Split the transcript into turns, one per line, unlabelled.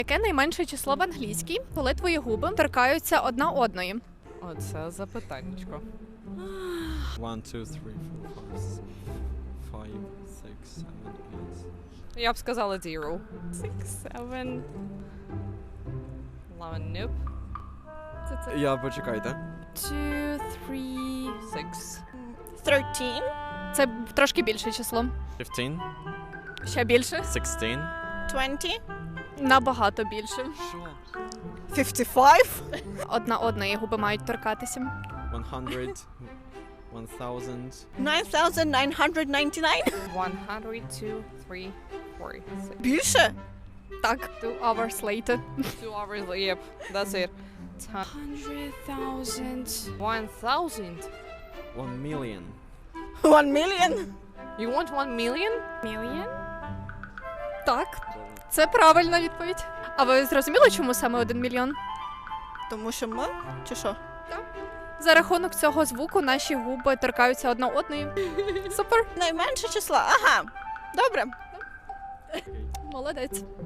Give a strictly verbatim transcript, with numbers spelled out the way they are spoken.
Яке найменше число в англійській, коли твої губи торкаються одна одної?
Оце запитаннячко.
One, two, three, four, five, five, six, seven, eight.
Я б сказала zero.
Six, seven.
Eleven, nope.
Це це.
Я почекайте.
Two, three.
Six.
Thirteen.
Це трошки більше число.
Fifteen,
Ще більше.
sixteen.
Twenty.
Набагато більше.
Що?
Fifty-five.
Одна одної губи мають торкатися.
One hundred, one thousand.
Nine thousand nine hundred ninety-nine.
One hundred, two, three, four, six.
Більше?
Так, two hours later.
Two hours, yep, that's it. Ten.
Hundred thousand.
One thousand?
One million.
One million.
You want one million?
Million? Так, це правильна відповідь. А ви зрозуміли, чому саме один мільйон?
Тому що ми? Чи що?
За рахунок цього звуку наші губи торкаються одна одної. Супер,
Найменше числа. Ага. Добре.
молодець.